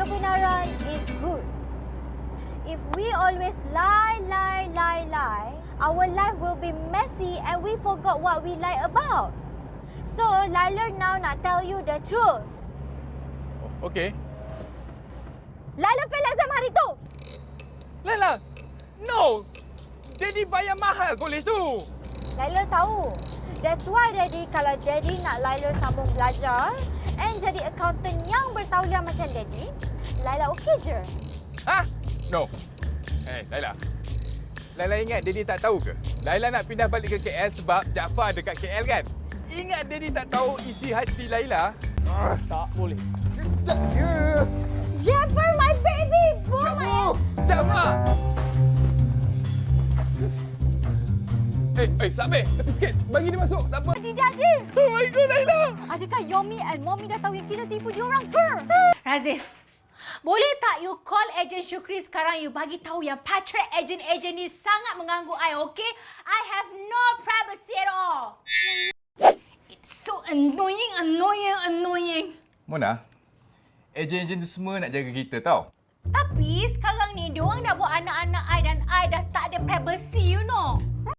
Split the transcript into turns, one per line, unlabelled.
kebenaran is good. If we always lie, our life will be messy and we forgot what we lie about. So, Laila now nak tell you the truth.
Okay.
Laila fail exam hari tu.
Laila, no! Daddy bayar mahal kolej tu.
Laila tahu. That's why Daddy, kalau Daddy nak Laila sambung belajar and jadi accountant yang bertauliah macam Daddy, Laila okey je.
Ha? No. Laila. Laila ingat Daddy tak tahu ke? Laila nak pindah balik ke KL sebab Jaafar dekat KL kan? Ingat Daddy tak tahu isi hati Laila? Tak boleh.
Jaafar, my baby boy!
Jaafar! Sabir, tepi sikit. Bagi dia masuk. Tak apa.
Daddy!
Oh my God, Laila!
Adakah Yomi and Mommy dah tahu yang kita tipu diorang ke?
Razif, boleh tak you call agent Syukri sekarang, you bagi tahu yang patrick agent ni sangat mengganggu I, okay? I have no privacy at all. It's so annoying.
Mona, ejen-ejen tu semua nak jaga kita tau.
Tapi sekarang ni, diorang dah buat anak-anak I dan I dah tak ada privacy, you know.